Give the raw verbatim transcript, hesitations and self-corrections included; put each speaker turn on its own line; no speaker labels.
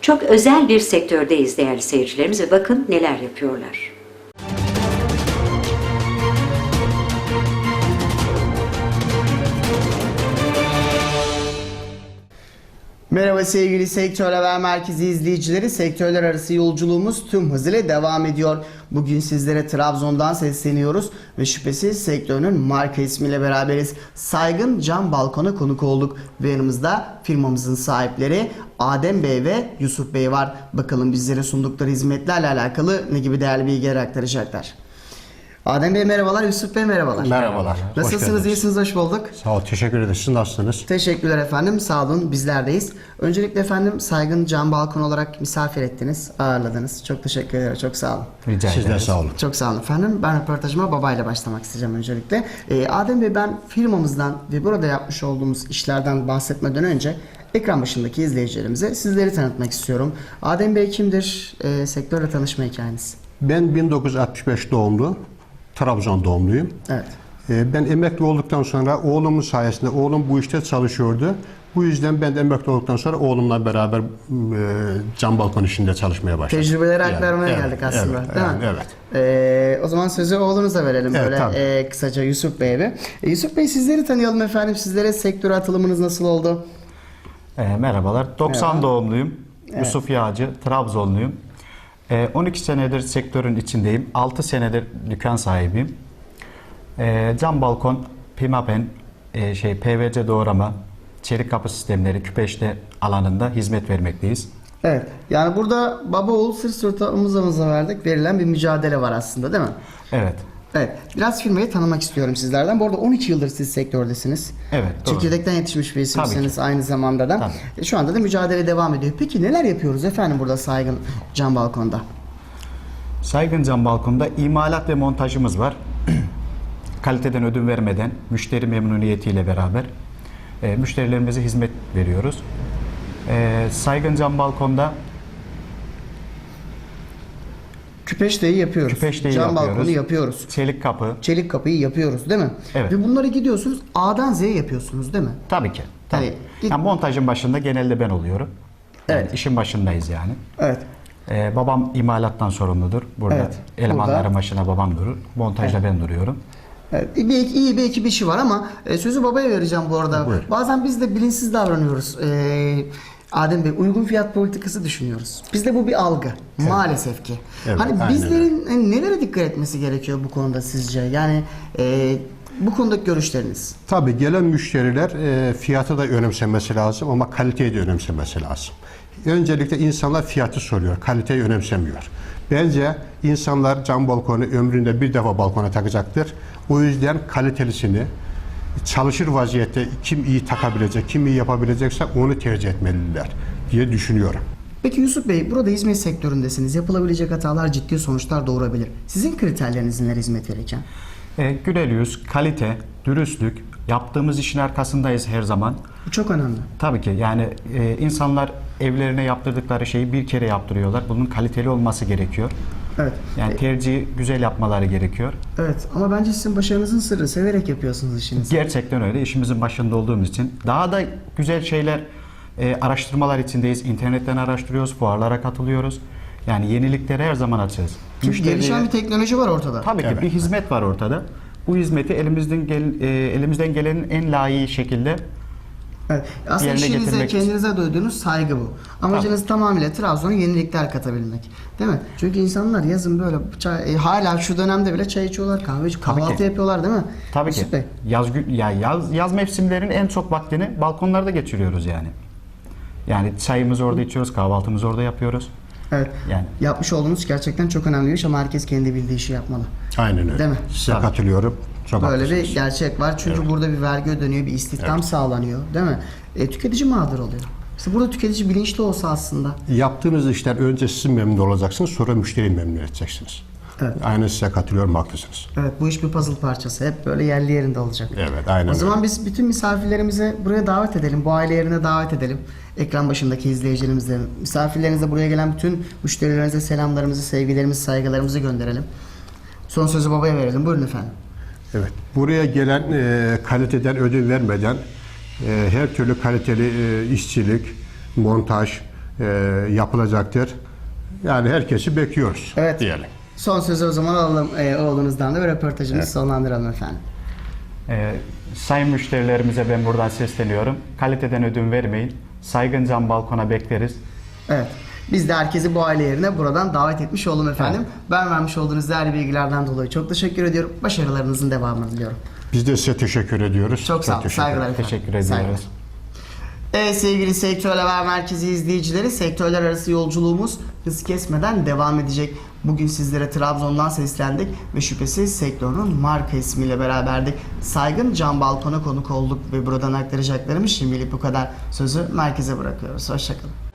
Çok özel bir sektördeyiz değerli seyircilerimiz ve bakın neler yapıyorlar.
Merhaba sevgili Sektör Haber Merkezi izleyicileri. Sektörler arası yolculuğumuz tüm hızıyla devam ediyor. Bugün sizlere Trabzon'dan sesleniyoruz ve şüphesiz sektörün marka ismiyle beraberiz. Saygın Cam Balkon'a konuk olduk ve yanımızda firmamızın sahipleri Adem Bey ve Yusuf Bey var. Bakalım bizlere sundukları hizmetlerle alakalı ne gibi değerli bilgiler aktaracaklar. Adem Bey merhabalar, Yusuf Bey merhabalar.
Merhabalar.
Nasılsınız, iyisiniz, hoş bulduk.
Sağ ol, teşekkür ederiz. Siz nasılsınız?
Teşekkürler efendim, sağ olun, bizlerdeyiz. Öncelikle efendim Saygın Cam Balkon olarak misafir ettiniz, ağırladınız. Çok teşekkür ederim, çok sağ olun.
Rica Siz de sağ olun.
Çok sağ olun efendim. Ben röportajıma babayla başlamak isteyeceğim öncelikle. Ee, Adem Bey, ben firmamızdan ve burada yapmış olduğumuz işlerden bahsetmeden önce ekran başındaki izleyicilerimize sizleri tanıtmak istiyorum. Adem Bey kimdir? Ee, sektörle tanışma hikayeniz.
Ben bin dokuz yüz altmış beş doğumlu, Trabzon doğumluyum.
Evet.
Ben emekli olduktan sonra oğlumun sayesinde, oğlum bu işte çalışıyordu. Bu yüzden ben de emekli olduktan sonra oğlumla beraber e, cam balkon işinde çalışmaya başladım.
Tecrübeleri aktarmaya
yani,
geldik
evet,
aslında,
evet,
değil
yani,
mi?
Evet.
Ee, o zaman sözü oğlunuza verelim
Evet,
böyle e, kısaca Yusuf Bey'e. E, Yusuf Bey, sizleri tanıyalım efendim. Sizlere sektöre atılımınız nasıl oldu?
E, merhabalar. doksan
Merhaba.
doğumluyum.
Evet.
Yusuf Yağcı, Trabzonluyum. E, on iki senedir sektörün içindeyim. altı senedir dükkan sahibiyim. E, cam balkon, pimapen, e, şey P V C doğrama, çelik kapı sistemleri, küpeşte alanında hizmet vermekteyiz.
Evet. Yani burada baba oğul sırt sırta omuz omuza verdik. Verilen bir mücadele var aslında, değil mi?
Evet.
Evet. Biraz firmayı tanımak istiyorum sizlerden. Bu arada on iki yıldır siz sektördesiniz.
Evet. Doğru.
Çekirdekten yetişmiş bir isimsiniz aynı zamanda da.
Tabii.
E, Şu anda da mücadele devam ediyor. Peki neler yapıyoruz efendim burada Saygın Cam Balkon'da?
Saygın Cam Balkon'da imalat ve montajımız var. Kaliteden ödün vermeden, müşteri memnuniyetiyle beraber e, müşterilerimize hizmet veriyoruz. E, Saygın Cam Balkon'da
Küpeşteyi yapıyoruz.
Küpeşteyi
Cam
yapıyoruz.
balkonu yapıyoruz.
çelik kapı,
Çelik kapıyı yapıyoruz, değil mi?
Evet.
Ve bunları gidiyorsunuz A'dan Z'ye yapıyorsunuz, değil mi?
tabii ki. Tabii.
Hani git-
Yani montajın başında genelde ben oluyorum. Yani
Evet.
işin başındayız yani.
Evet.
Ee, babam imalattan sorumludur. Burada
Evet,
elemanların
burada.
başına babam durur. Montajda ben duruyorum.
Evet, bir, iyi bir ekip işi var ama e, sözü babaya vereceğim bu arada.
Buyur.
Bazen biz de bilinçsiz davranıyoruz. E, Adem Bey, uygun fiyat politikası düşünüyoruz. Bizde bu bir algı. Maalesef ki.
Evet,
hani
aynen
bizlerin e, nelere dikkat etmesi gerekiyor bu konuda sizce? Yani e, bu konudaki görüşleriniz.
Tabii gelen müşteriler e, fiyatı da önemsemesi lazım ama kaliteyi de önemsemesi lazım. Öncelikle insanlar fiyatı soruyor, kaliteyi önemsemiyor. Bence insanlar cam balkonu ömründe bir defa balkona takacaktır. O yüzden kalitelisini çalışır vaziyette kim iyi takabilecek, kim iyi yapabilecekse onu tercih etmeliler diye düşünüyorum.
Peki Yusuf Bey, burada hizmet sektöründesiniz. Yapılabilecek hatalar ciddi sonuçlar doğurabilir. Sizin kriterleriniz neler hizmet verirken?
Ee, güler yüz, kalite, dürüstlük, yaptığımız işin arkasındayız her zaman.
Bu çok önemli.
Tabii ki yani e, insanlar evlerine yaptırdıkları şeyi bir kere yaptırıyorlar. Bunun kaliteli olması gerekiyor.
Evet.
Yani tercihi güzel yapmaları gerekiyor.
Evet, ama bence sizin başarınızın sırrı severek yapıyorsunuz işinizi.
Gerçekten öyle. İşimizin başında olduğumuz için daha da güzel şeyler, e, araştırmalar içindeyiz. İnternetten araştırıyoruz, fuarlara katılıyoruz. Yani yeniliklere her zaman açığız.
Çünkü
Müşteriye-
gelişen bir teknoloji var ortada.
Tabii ki
Evet,
bir hizmet var ortada. Bu hizmeti elimizden gel, e, elimizden gelenin en layığı şekilde
Evet. Aslında
yerine
işinize,
getirmek için.
kendinize duyduğunuz saygı bu. Amacınız tamamıyla Trabzon'a yenilikler katabilmek. Değil mi? Çünkü insanlar yazın böyle çay, e, hala şu dönemde bile çay içiyorlar, kahve içiyor, kahvaltı
ki.
yapıyorlar, değil mi?
tabii ki
Yusuf Bey.
yaz gü- ya yaz yaz mevsimlerin en çok vaktini balkonlarda geçiriyoruz yani. Yani çayımızı orada içiyoruz, kahvaltımızı orada yapıyoruz.
Evet.
Yani
Yapmış olduğunuz gerçekten çok önemli bir iş ama herkes kendi bildiği işi yapmalı.
Aynen öyle.
Değil mi?
Size
Tabii.
katılıyorum. Çok
Böyle
haklısınız.
bir gerçek var. Çünkü burada bir vergi ödeniyor, bir istihdam sağlanıyor, değil mi? E, tüketici mağdur oluyor. İşte burada tüketici bilinçli olsa aslında.
Yaptığınız işler önce siz memnun olacaksınız, sonra müşteriyi memnun edeceksiniz.
Evet.
Aynen size katılıyorum, haklısınız.
Evet, bu iş bir puzzle parçası. Hep böyle yerli yerinde olacak.
Evet, aynen
O zaman
öyle.
biz bütün misafirlerimizi buraya davet edelim. Bu aile yerine davet edelim. Ekran başındaki izleyicilerimize, misafirlerinize, buraya gelen bütün müşterilerimize selamlarımızı, sevgilerimizi, saygılarımızı gönderelim. Son sözü babaya verelim. Buyurun efendim.
Evet. Buraya gelen e, kaliteden ödün vermeden e, her türlü kaliteli e, işçilik, montaj, e, yapılacaktır. Yani herkesi bekliyoruz
Evet.
diyelim.
Son sözü o zaman alalım e, oğlunuzdan da ve röportajımızı
Evet.
sonlandıralım efendim.
Ee, sayın müşterilerimize ben buradan sesleniyorum. Kaliteden ödün vermeyin. Saygın Cam Balkon'a bekleriz.
Evet. Biz de herkesi bu aile yerine buradan davet etmiş oldum efendim. Ben vermiş olduğunuz değerli bilgilerden dolayı çok teşekkür ediyorum. Başarılarınızın devamını diliyorum.
Biz de size teşekkür ediyoruz.
Çok sağ olun.
teşekkür
Saygılar
ederim.
efendim.
Teşekkür ediyoruz.
Saygılar. Evet sevgili Sektör Haber Merkezi izleyicileri, sektörler arası yolculuğumuz hız kesmeden devam edecek. Bugün sizlere Trabzon'dan seslendik ve şüphesiz sektörün marka ismiyle beraberdik. Saygın Cam Balkon'a konuk olduk ve buradan aktaracaklarımız şimdilik bu kadar. Sözü merkeze bırakıyoruz. Hoşçakalın.